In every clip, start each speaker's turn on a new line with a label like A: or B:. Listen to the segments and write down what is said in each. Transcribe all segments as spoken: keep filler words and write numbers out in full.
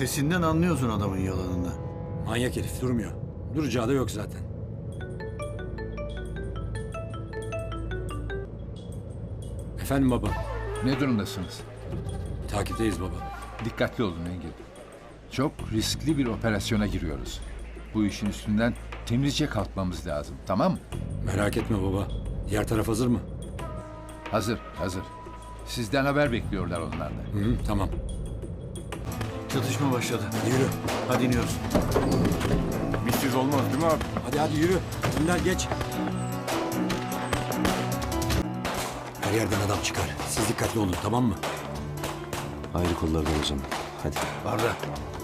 A: Sesinden anlıyorsun adamın yalanını.
B: Manyak herif durmuyor. Duracağı da yok zaten. Efendim baba.
C: Ne durumdasınız?
B: Takipteyiz baba.
C: Dikkatli olun Engin. Çok riskli bir operasyona giriyoruz. Bu işin üstünden temizce kalkmamız lazım, tamam mı?
B: Merak etme baba. Diğer taraf hazır mı?
C: Hazır, hazır. Sizden haber bekliyorlar onlar da.
B: Hı hı, tamam.
A: Çatışma başladı.
B: Yürü.
A: Hadi iniyoruz.
D: Bizsiz olmaz değil mi abi?
B: Hadi hadi yürü. Önder geç. Her yerden adam çıkar. Siz dikkatli olun, tamam mı?
E: Ayrı kollardan o zaman. Hadi.
A: Arda.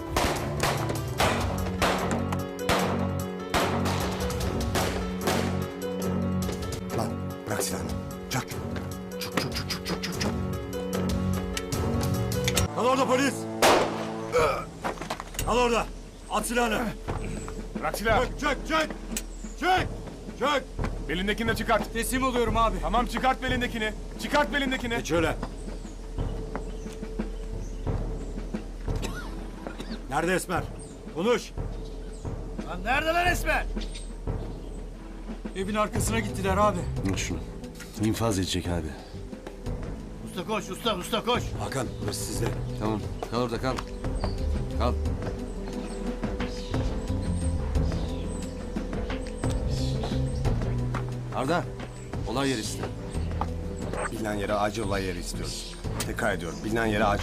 F: Lan bırak silahını. Çak. Çuk çuk çuk çuk çuk çuk çuk.
B: Al orada polis. Al orada. At silahını.
D: Bırak silahı.
B: Çök çök çök. Çök. Çök.
D: Belindekini de çıkart.
G: Teslim oluyorum abi.
D: Tamam çıkart belindekini. Çıkart belindekini.
B: Geç öyle. Nerede Esmer? Konuş.
G: Lan nerede lan Esmer? Evin arkasına gittiler abi.
E: Al şunu. İnfaz edecek abi.
A: Usta koş, usta, usta koş.
B: Hakan, burası sizde.
E: Tamam. Kal orada kal. Kal. Arda. Olay yeri iste.
F: Bilinen yere acil olay yeri istiyoruz. Tekrar ediyorum. Bilinen yere acil.